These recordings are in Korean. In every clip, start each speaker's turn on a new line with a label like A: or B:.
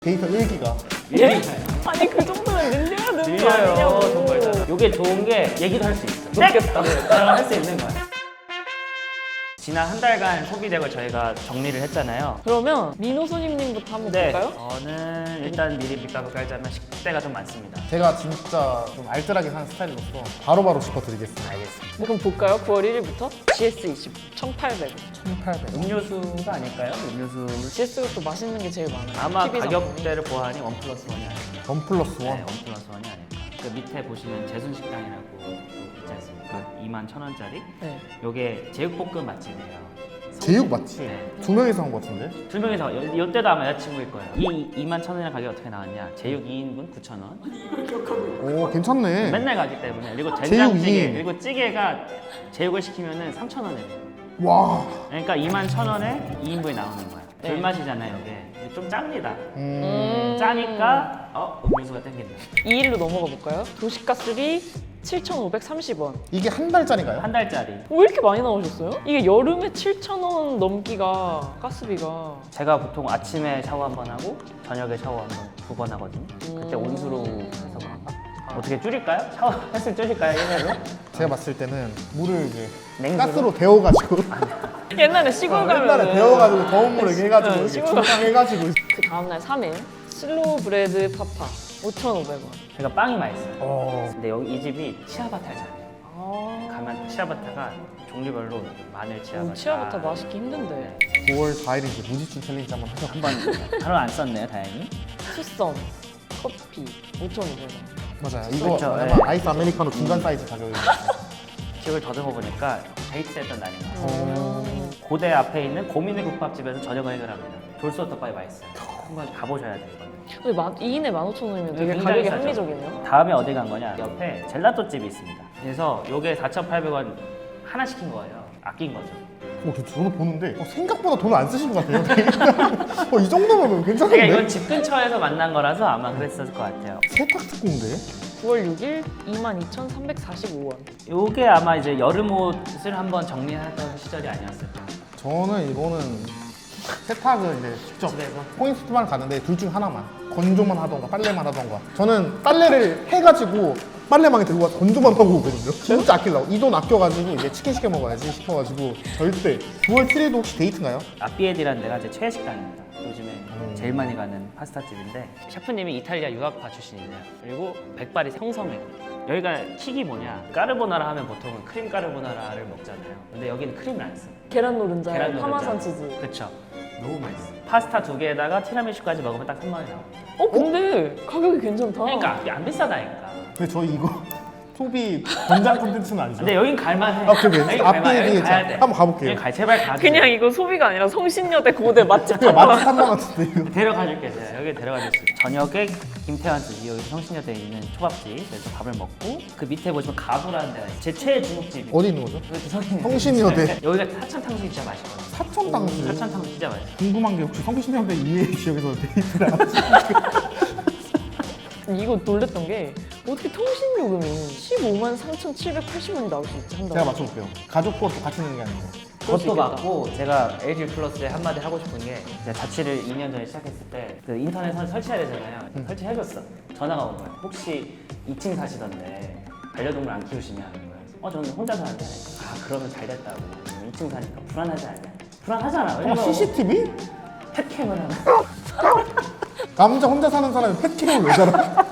A: 데이터 1기가.
B: 아니 그 정도면 늘려야 되는 거
C: 밀려요
B: 아니냐고.
C: 정말. 요게 좋은 게 얘기도 할 수 있어.
B: 높겠다.
C: 저랑 할 수 있는 거야. 지난 한 달간 소비덱을 저희가 정리를 했잖아요.
B: 그러면 민호소님부터 한번
C: 네,
B: 볼까요?
C: 저는 일단 미리 밑밥을 깔자면 10대가 좀 많습니다.
A: 제가 진짜 좀 알뜰하게 사는 스타일로서 바로바로 짚어드리겠습니다.
C: 알겠습니다.
B: 그럼 볼까요? 9월 1일부터 GS20 1,800원.
A: 1,800원.
C: 음료수가 아닐까요? 음료수
B: GS가 또 맛있는 게 제일 많아요.
C: 아마
B: TV 상품이.
C: 가격대를 보아하니 원 플러스 원이 아닐까.
A: 원 플러스 원.
C: 네, 원 플러스 원이 아닐까. 그 밑에 보시면 재순식당이라고 있지 않습니까? 21,000원짜리.
B: 네.
C: 요게 제육볶음 맛집이에요.
A: 제육 맞지?
C: 네.
A: 두 명이서 한 것 같은데?
C: 두 명이서 이때도 아마 여자친구일 거예요. 이 21,000원이라는 가격이 어떻게 나왔냐? 제육 2인분 9,000원.
A: 오 괜찮네.
C: 맨날 가기 때문에. 그리고
A: 제육
C: 된장찌개
A: 2인.
C: 그리고 찌개가 제육을 시키면은 3,000원에.
A: 와.
C: 그러니까 21,000원에 2인분이 나오는 거야.
B: 네.
C: 불맛이잖아요, 이게. 근데 좀 짭니다.
A: 음.
C: 짜니까 음료수가 땡긴다.
B: 2일로 넘어가 볼까요? 도시가스비 7,530원.
A: 이게 한 달짜리인가요?
C: 한 달짜리.
B: 왜 이렇게 많이 나오셨어요? 이게 여름에 7,000원 넘기가 가스비가
C: 제가 보통 아침에 샤워 한 번 하고 저녁에 샤워 두 번 하거든요. 그때 온수로 해서 그런가? 어떻게 줄일까요? 샤워 횟수 줄일까요, 1회로?
A: 제가 봤을 때는 물을 이제
C: 냉수로?
A: 가스로 데워가지고
B: 옛날에 시골 가면
A: 옛날에 데워가지고 더운 물을 이렇게 해가지고
B: 네,
A: 이렇게
B: 시골
A: 중탕해가지고
B: 그 다음날 3일 슬로우 브레드 파파 5,500원.
C: 제가 빵이 맛있어요.
A: 어.
C: 근데 여기 이 집이 치아바타잖아요.
B: 아,
C: 가면 치아바타가 종류별로 마늘 치아바타.
B: 치아부터 맛있기 힘든데.
A: 9월 4일인데 무지춘 챌린지 한번 하자.
C: 한번 바로 안 썼네요, 다행히.
B: 투썸 커피 5,500원.
A: 맞아요. 이거
C: 그렇죠,
A: 아마
C: 네.
A: 아이스 아메리카노 중간 사이즈 가격이에요.
C: 기억을 더듬어 보니까 데이트했던 날인 것 같아요.
A: 어.
C: 고대 앞에 있는 고민의 국밥집에서 저녁을 해결합니다. 돌솥덮밥이 맛있어요. 한번 가보셔야 돼요, 이거는.
B: 근데 2인에 15,000원이면 되게
C: 굉장히
B: 가격이
C: 싸죠.
B: 합리적이네요.
C: 다음에 어디 간 거냐? 옆에 젤라또 집이 있습니다. 그래서 요게 4,800원 하나 시킨 거예요. 아낀 거죠.
A: 저도 보는데 생각보다 돈을 안 쓰신 것 같아요. 이 정도면
C: 그러니까
A: 괜찮은데?
C: 이건 집 근처에서 만난 거라서 아마 그랬을 것 같아요.
A: 세탁 특공대?
B: 9월 6일 22,345원.
C: 요게 아마 이제 여름 옷을 한번 정리하던 시절이 아니었을까.
A: 저는 이거는 세탁을 이제 직접
C: 집에서?
A: 포인트만 가는데 둘 중 하나만 건조만 하던가 빨래만 하던가 저는 빨래를 해가지고 빨래망에 들고 가서 건조만 하고 오거든요. 진짜 아끼려고 이 돈 아껴가지고 이제 치킨 시켜 먹어야지 싶어가지고 절대. 9월 7일도 혹시 데이트인가요?
C: 아삐에디라는 데가 제 최애 식당입니다. 요즘에 제일 많이 가는 파스타 집인데 셰프님이 이탈리아 유학파 출신이세요. 그리고 백발이 형성이고 여기가 킥이 뭐냐? 까르보나라 하면 보통은 크림 까르보나라를 먹잖아요. 근데 여기는 크림을 안 써.
B: 계란 노른자에
C: 계란 노른자.
B: 파마산 치즈.
C: 그쵸? 너무 맛있어. 파스타 2개에다가 티라미슈까지 먹으면 딱 3만 원이 나옵니다.
B: 근데 가격이 괜찮다.
C: 그러니까 이게 안 비싸다니까.
A: 근데 저희 이거 소비 권장 콘텐츠는 아니죠?
C: 근데 여긴 갈만해.
A: 아, 그래.
C: 여긴
A: 앞뒤에
C: 갈만해. 여긴
A: 되게
C: 가야 돼.
A: 한번 가볼게요.
C: 여기 제발 가줘.
B: 그냥 이거 소비가 아니라 성신여대 고대 맛집
A: 그냥
B: 탐방.
A: 맛집 한번 같은데 이거.
C: 데려가줄게 제가. 여기 데려가줄 수 있어요. 저녁에 김태환 씨 여기 성신여대에 있는 초밥집 그래서 밥을 먹고 그 밑에 보시면 가부라는 데가 있어요. 제 최애 중국집이
A: 어디 있는 거죠?
C: 여기 성신여대.
A: 성신여대.
C: 여기가 사천탕수육 진짜 맛있거든요.
A: 사천당수.
C: 사천탕수육 진짜 맛있어.
A: 궁금한 게 혹시 성신여대 이외의 지역에서 데이트를 하시나요?
B: 이거 놀랬던 게 어떻게 통신요금이 153,780원이 나올 수 있지 한 달에.
A: 제가 맞춰볼게요. 가족 거또 같이 있는 게 아니고.
B: 그럴 수
C: 그것도
B: 있겠다.
C: 맞고 제가 LG 플러스에 한마디 하고 싶은 게 제가 자취를 2년 전에 시작했을 때 그 인터넷 설치해야 되잖아요. 설치해줬어. 전화가 온 거예요. 혹시 2층 사시던데 반려동물 안 키우시냐 하는 거예요. 저는 혼자 사는데 그러면 잘 됐다고. 2층 사니까 불안하지 않냐? 불안하잖아. 왜냐면
A: CCTV?
C: 펫캠을 하는
A: 남자 혼자 사는 사람이 펫캠을 왜 달아?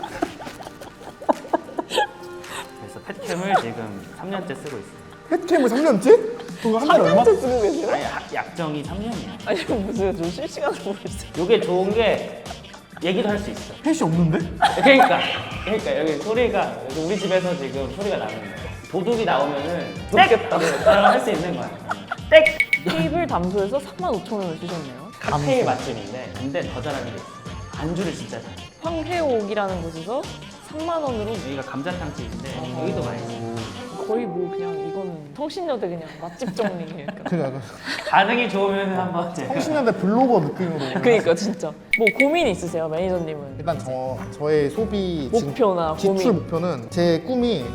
C: 그래서 펫캠을 지금 3년째 쓰고 있어요.
A: 펫캠을 3년째? 그거 한 달에 얼마?
B: 3년째 쓰고 계세요?
C: 아니 약정이 3년이야.
B: 아니 무슨 좀 실시간으로 보겠어요.
C: 요게 좋은 게 얘기도 할 수 있어.
A: 펫이 없는데?
C: 그러니까 여기 소리가 여기 우리 집에서 지금 소리가 나는 거야. 도둑이 나오면은
B: 높겠다.
C: 저랑 할 수 있는 거야. 땡!
B: 테이블 담소에서 35,000원을 주셨네요.
C: 칵테일 맛집인데 근데 더 잘하는 게 있어. 안주를 진짜 잘해.
B: 황회옥이라는 곳에서 3만 원으로
C: 여기가 감자탕 집인데 여기도 맛있어.
B: 거의 뭐 그냥 이거는 성신여대 그냥 맛집 정리예요.
A: 그냥
C: 반응이 좋으면 한번 제가
A: 성신여대 블로거 느낌으로.
B: 그러니까 진짜 뭐 고민 있으세요 매니저님은?
A: 일단 저의 소비
B: 목표나
A: 지출
B: 고민.
A: 목표는 제 꿈이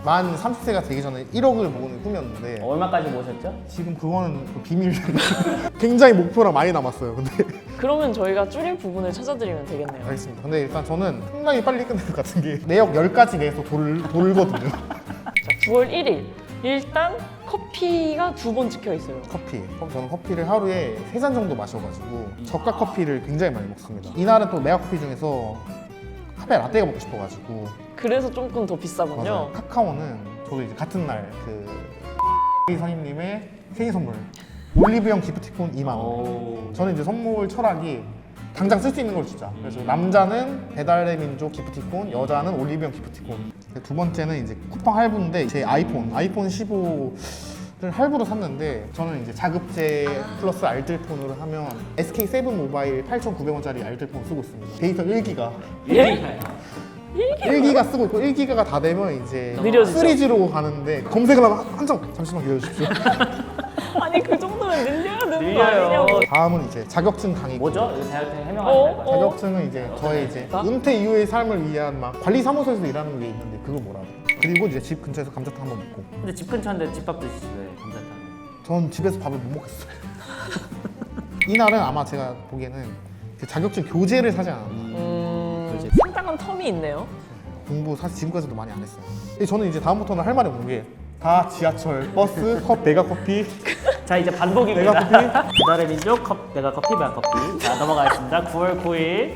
A: 만 30세가 되기 전에 1억을 모으는 꿈이었는데
C: 얼마까지 모셨죠?
A: 지금 그거는 그 비밀. 굉장히 목표랑 많이 남았어요. 근데
B: 그러면 저희가 줄일 부분을 찾아드리면 되겠네요.
A: 알겠습니다. 근데 일단 저는 상당히 빨리 끝낼 것 같은 게 내역 10가지 내에서 돌거든요.
B: 자, 9월 1일 일단 커피가 2번 찍혀 있어요.
A: 커피. 저는 커피를 하루에 3잔 정도 마셔가지고 저가 커피를 굉장히 많이 먹습니다. 이날은 또 메가 커피 중에서 카페 라떼가 먹고 싶어가지고
B: 그래서 조금 더 비싸군요.
A: 맞아요. 카카오는 저도 이제 같은 날 그 선임님의 생일 선물 올리브영 기프티콘 2만 원.
C: 오.
A: 저는 이제 선물 철학이 당장 쓸 수 있는 걸 주자. 그래서 남자는 배달의 민족 기프티콘, 여자는 올리브영 기프티콘. 두 번째는 이제 쿠팡 할부인데 제 아이폰 15를 할부로 샀는데 저는 이제 자급제 플러스 알뜰폰으로 하면 SK7 모바일 8,900원짜리 알뜰폰 쓰고 있습니다. 데이터 1기가.
B: 예?
A: 1기가 쓰고 있고 1기가가 다 되면 이제
B: 느려지죠.
A: 3G로 가는데 검색을 하면 한참 잠시만 기다려주십시오.
B: 아니 그 정도면 늘려야 되는 거
C: 늘려요.
B: 아니냐고.
A: 다음은 이제 자격증 강의.
C: 뭐죠? 이거 자격증 해명하시는
B: 어?
C: 거예요?
A: 자격증은 이제 저의 이제 은퇴 이후의 삶을 위한 막 관리사무소에서 일하는 게 있는데 그거 뭐라고? 그리고 이제 집 근처에서 감자탕 한번 먹고.
C: 근데 집 근처인데 집밥 드시지 왜 감자탕을?
A: 전 집에서 밥을 못 먹겠어요. 이날은 아마 제가 보기에는 그 자격증 교재를 사지 않았나.
B: 상당한 텀이 있네요.
A: 공부 사실 지금까지도 많이 안 했어요. 근데 저는 이제 다음부터는 할 말이 없는 게 다 지하철, 버스, 메가 커피.
C: 자 이제 반복입니다.
A: 메가
C: 배달의 민족 메가 커피 메가 커피. 자 넘어가겠습니다. 9월 9일.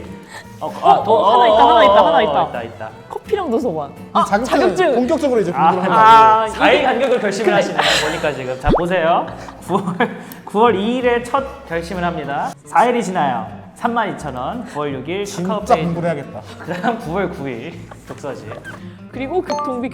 B: 하나 있다.
C: 있다.
B: 커피랑 도서관.
A: 이 자격증 본격적으로 이제 공부를 한다고.
B: 아,
C: 4일 간격을 결심을 하시네요. 보니까 지금. 자 보세요. 9월 2일에 첫 결심을 합니다. 4일이 지나요. 32,000원. 9월 6일
A: 진짜
C: 카카오페이.
A: 공부를 해야겠다.
C: 그다음 9월 9일 독서실.
B: 그리고 교통비.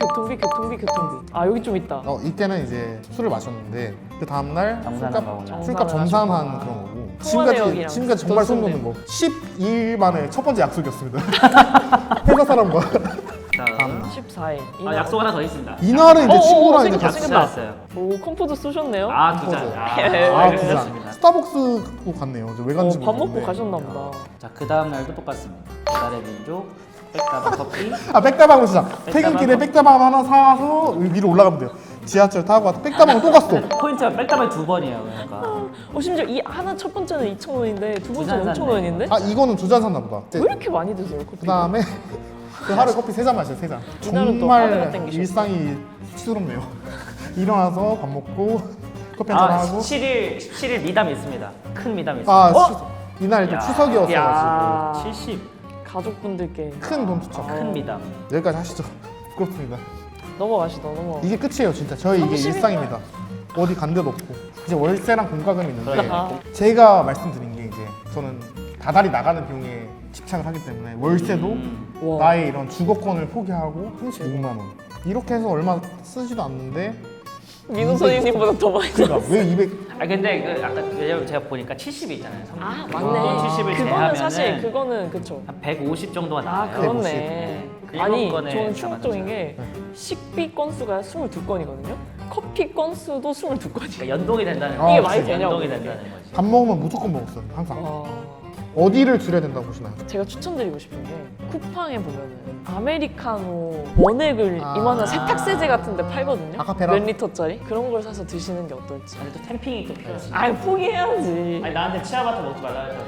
B: 아 여기 좀 있다.
A: 이때는 이제 술을 마셨는데 그 다음날
C: 정산한 거구나.
A: 술값
B: 정산을
A: 정산한
B: 하셨구나.
A: 그런 거고
B: 통화내역이랑
A: 지금까지 정말 소름 돋는 거 12일 만에 첫 번째 약속이었습니다. 회사 사람과
C: 다음.
B: 14일.
C: 아 약속 하나 더 있습니다.
A: 이날은 이제 친구랑 이제
B: 생겼다,
A: 같이
B: 생겼다.
C: 찾았어요.
B: 오 컴포즈 쏘셨네요.
C: 아, 두 잔.
A: 두 잔. 스타벅스도 갔네요. 저 왜 갔는지
B: 밥 먹고
A: 모르겠는데.
B: 가셨나 보다.
C: 자, 그 다음 날도 똑같습니다. 배달의 민족, 백다방 커피.
A: 백다방을 진짜 퇴근길에 백다방 하나 사서 위로 올라가면 돼요. 지하철 타고 와서 백다방을 또 갔어.
C: 포인트가 백다방이 2번이에요. 그러니까.
B: 심지어 이 하나 첫 번째는 2,000원인데 두 번째는
C: 두 잔
B: 5,000원인데?
A: 아 이거는 2잔 샀나 보다.
B: 왜 이렇게 많이 드세요 커피?
A: 그 다음에 그 하루에 커피 3잔 마셔요. 3잔.
B: 이날은 또 카드가
A: 정말
B: 땡기셨어요.
A: 일상이 수치스럽네요. 일어나서 밥 먹고 커피 한잔
C: 아,
A: 하고
C: 17일 미담이 있습니다. 큰 미담이 있습니다.
A: 아 이날 또
C: 야.
A: 추석이었어가지고
B: 야.
C: 70.
B: 가족분들께
A: 큰 돈 투척.
C: 큰 미담.
A: 여기까지 하시죠. 부끄럽습니다.
B: 넘어가시다 넘어.
A: 이게 끝이에요 진짜. 저희 이게
B: 30일
A: 일상입니다. 어디 간 데도 없고 이제 월세랑 공과금이 있는데
B: 아.
A: 제가 말씀드린 게 이제 저는 다달이 나가는 비용에 집착을 하기 때문에 월세도
B: 와.
A: 나의 이런 주거권을 포기하고 36만 원 이렇게 해서 얼마 쓰지도 않는데
B: 민호 선생님보다 더 많이
A: 그러니까 왜 200...
C: 아 근데 그 아까 왜냐면 제가 보니까 70이 있잖아요.
B: 아
C: 어,
B: 맞네.
C: 70을
B: 그거는
C: 제하면은
B: 사실 그거는 그쵸.
C: 한 150 정도가
B: 아
C: 나와요.
B: 그렇네.
C: 일곱
B: 아니
C: 건에
B: 저는 충격적인 게
A: 네.
B: 식비 건수가 22건이거든요. 커피 건수도 22건이에요.
C: 그러니까 연동이 된다는
A: 아,
C: 거지.
A: 이게
B: 말이 되냐고,
C: 연동이
B: 그게.
C: 된다는 거지.
A: 밥 먹으면 무조건 먹었어요 항상.
B: 와.
A: 어디를 줄여야 된다고 보시나요?
B: 제가 추천드리고 싶은 게 쿠팡에 보면은 아메리카노 원액을
A: 아.
B: 이만한 세탁세제 같은 데 팔거든요.
A: 아카페라?
B: 몇 리터짜리? 그런 걸 사서 드시는 게 어떨지.
C: 근데 또 템핑이 또 필요하지.
B: 아 포기해야지.
C: 아니 나한테 치아바타 먹지 말라 했단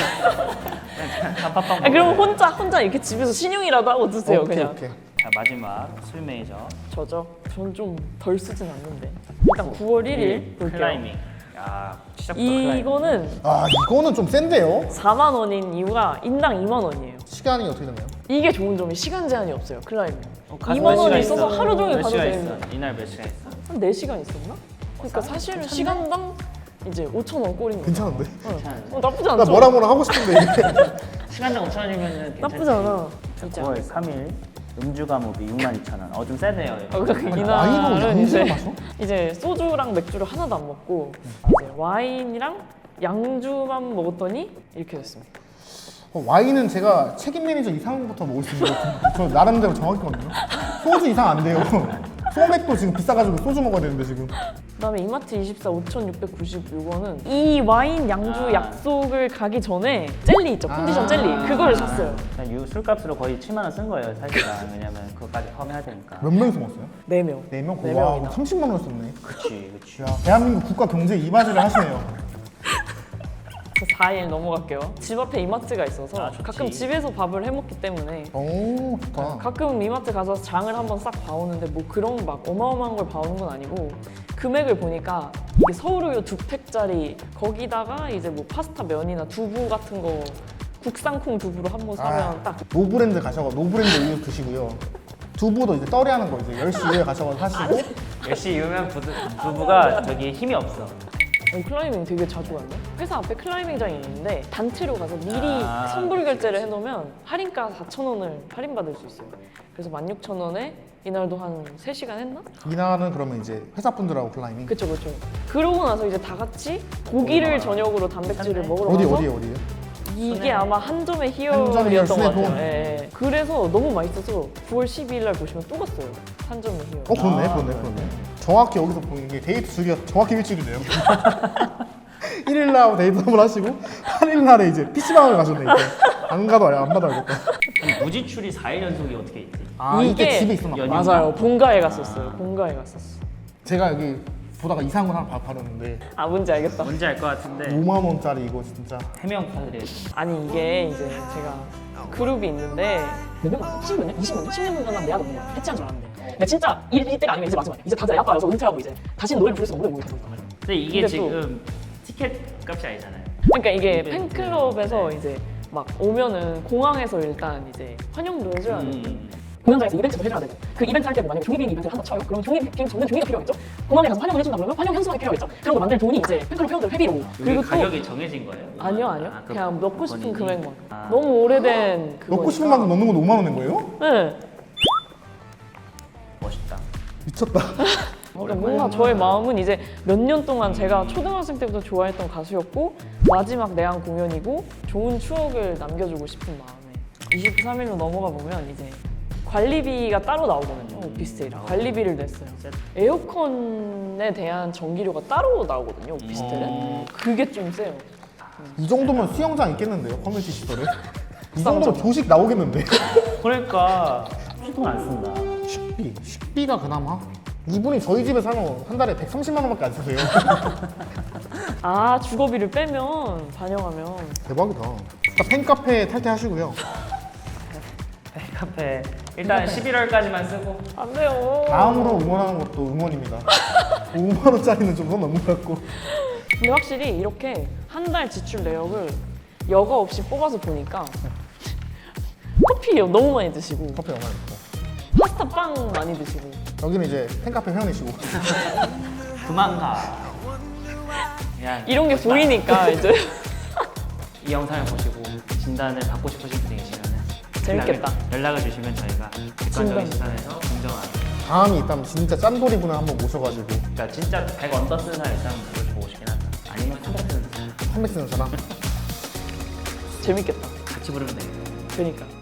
C: 말이야. 단팥빵
B: 아, 그럼
C: 먹어야 돼.
B: 혼자 이렇게 집에서 신용이라도 하고 드세요 그냥.
A: 오케이.
C: 자 마지막 술 메이저.
B: 저죠? 전 좀 덜 쓰진 않는데. 일단 9월 1일 볼게요.
C: 클라이밍. 야 시작부터 클라이밍.
B: 이거는
A: 아 이거는 좀 센데요?
B: 4만 원인 이유가 인당 2만 원이에요.
A: 시간이 어떻게 되나요?
B: 이게 좋은 점이 시간 제한이 없어요 클라이밍.
C: 가서
B: 2만
C: 몇 시간
B: 원이 있어서
C: 있어?
B: 하루 종일
C: 몇
B: 가도
C: 시간
B: 되는
C: 있어? 이날 몇 시간 있어?
B: 한 4시간 있었나? 그러니까 사실은 시간당 이제 5,000원 꼴인 거야.
A: 괜찮은데?
B: 나쁘지
A: 나
B: 않죠?
A: 뭐라 하고 싶은데 이게
C: 시간당 5,000원이면
B: 나쁘지 않아.
C: 9월 3일 음주 과목이 62,000원. 좀 세네요. 이거.
B: 그러니까
A: 와인으로
B: 이날은
A: 양주를
B: 이제,
A: 마셔?
B: 이제 소주랑 맥주를 하나도 안 먹고 이제 와인이랑 양주만 먹었더니 이렇게 됐습니다.
A: 와인은 제가 책임 매니저 이상부터 먹을 수 있는 것 같은데 저 나름대로 정확했거든요. 소주 이상 안 돼요. 소맥도 지금 비싸가지고 소주 먹어야 되는데 지금
B: 그다음에 이마트 24 5,690 이거는 이 와인 양주
C: 아.
B: 약속을 가기 전에 젤리 있죠. 컨디션
A: 아.
B: 젤리. 그거를 샀어요.
C: 그냥 유 술값으로 거의 7만 원 쓴 거예요, 사실은. 왜냐면 그거까지 포함해야 되니까.
A: 몇 명이서 먹었어요?
B: 4명.
A: 4명?
B: 네
A: 와,
B: 명이나.
A: 30만 원 썼네.
C: 그치, 그치.
A: 야, 대한민국 국가 경제에 이바지를 하시네요.
B: 그래서 4일 넘어갈게요. 집 앞에 이마트가 있어서
C: 아, 좋지.
B: 가끔 집에서 밥을 해먹기 때문에
A: 오, 좋다.
B: 가끔 이마트 가서 장을 한번 싹 봐오는데 뭐 그런 막 어마어마한 걸 봐오는 건 아니고 금액을 보니까 이게 서울우유 2팩짜리 거기다가 이제 뭐 파스타 면이나 두부 같은 거 국산콩 두부로 한번 사면 딱
A: 노브랜드 가셔서 노브랜드 우유 드시고요. 두부도 이제 떨이하는 거 이제 10시 이후에 가셔서 사시고
C: 역시 유명 부부가 저기 힘이 없어.
B: 클라이밍 되게 자주 갔네. 회사 앞에 클라이밍장이 있는데 단체로 가서 미리
C: 아,
B: 선불 결제를 해놓으면 할인가 4,000원을 할인받을 수 있어요. 그래서 16,000원에 이날도 한 3시간 했나?
A: 이날은 그러면 이제 회사분들하고 클라이밍.
B: 그쵸. 그러고 나서 이제 다 같이 고기를 저녁으로 단백질을 먹으러
A: 어디
B: 가서
A: 어디요?
B: 이게 아마 한점의
A: 한점의
B: 희열이었던 것
A: 희열,
B: 같아요. 예. 그래서 너무 맛있어서 9월 12일 날 보시면 또 갔어요. 한점의 희열.
A: 그렇네. 정확히 여기서 보는 게 데이트 주기가 정확히 일주일이네요. 1일 날 데이트 한번 하시고 8일 날에 이제 PC방을 가셨네 이제. 안 받아야겠다.
C: 아니, 무지출이 4일 연속이 어떻게 있지?
A: 아, 이게 집에 있었나
C: 연휴?
A: 봐.
B: 맞아요. 본가에 갔었어요. 본가에 갔었어.
A: 제가 여기 보다가 이상한 거 하나 바르는데
B: 아 뭔지 알겠다.
C: 뭔지 알 것 같은데
A: 5만 원짜리 이거 진짜.
C: 해명 부탁드려요.
B: 아니 이게 이제 제가 그룹이 있는데
D: 몇 년, 10몇 년, 20몇 년, 10년 전만 내가 너무 해체한 줄 알았는데 근데 진짜 이때가 아니면 이제 마지막 이제 다들 애아빠여서 은퇴하고 이제 다시는 노래를 부를 수 없는 노래 모르겠다고
C: 근데 이게
B: 근데
C: 지금 티켓 값이 아니잖아요.
B: 그러니까 이게
C: 네,
B: 팬클럽에서
C: 네.
B: 이제 막 오면은 공항에서 일단 이제 환영도 해줘야 돼.
D: 공연장에서 이벤트도 해줘야 되고 그 이벤트 할 때 뭐 만약에 종이비행 이벤트를 한다 쳐요 그러면 종이비행 접는 종이가 필요하겠죠 공항에 가서 환영을 해준다 그러면 환영 현수막이 필요하겠죠 그런 거 만들 돈이 이제 팬클럽 회원들 회비로
C: 그리고
B: 그리고 또-
C: 가격이 정해진 거예요?
B: 아니요.
C: 아, 그
B: 그냥 넣고 싶은
C: 본인이?
B: 금액만.
C: 아.
B: 너무 오래된 그거.
A: 넣고 싶은 만큼 넣는 건 5만 원인 거예요?
B: 네.
C: 멋있다.
A: 미쳤다.
B: 그러니까 뭔가 저의 마음은 이제 몇 년 동안 제가 초등학생 때부터 좋아했던 가수였고 마지막 내한 공연이고 좋은 추억을 남겨주고 싶은 마음에 23일로 넘어가 보면 이제 관리비가 따로 나오거든요. 오피스텔이랑 관리비를 냈어요. 에어컨에 대한 전기료가 따로 나오거든요. 오피스텔은. 그게 좀 세요.
A: 이 정도면 수영장 있겠는데요, 커뮤니티 시설에? 이 정도면 조식 나오겠는데?
C: 그러니까 휴통 안 쓴다.
A: 식비가 그나마? 이분이 저희 집에 살면 한 달에 130만 원밖에 안 쓰세요.
B: 아 주거비를 빼면 반영하면
A: 대박이다. 일단 팬카페 탈퇴하시고요.
C: 카페 일단 11월까지만 쓰고
B: 안 돼요.
A: 다음으로 응원하는 것도 응원입니다. 5만 원짜리는 좀 선 넘는 것 같고.
B: 근데 확실히 이렇게 한 달 지출 내역을 여과 없이 뽑아서 보니까 커피 너무 많이 드시고
A: 커피 얼마나 있고.
B: 파스타 빵 많이 드시고
A: 여기는 이제 팬카페 회원이시고.
C: 그만 가. 그냥
B: 이런 게 보이니까 이제
C: 이 영상을 보시고 진단을 받고 싶으신 분이 계시면
B: 재밌겠다.
C: 연락을 주시면 저희가 객관적인 시선에서 공정한
A: 다음이 있다면 진짜 짠돌이 분을 한번 모셔가지고
C: 그러니까 진짜 100 언더 쓰는 사람 있다면 그걸 보고 싶긴 하다. 아니면 300 쓰는 사람
A: 판매 쓰는 사람.
B: 재밌겠다.
C: 같이 부르면 되겠다.
B: 그러니까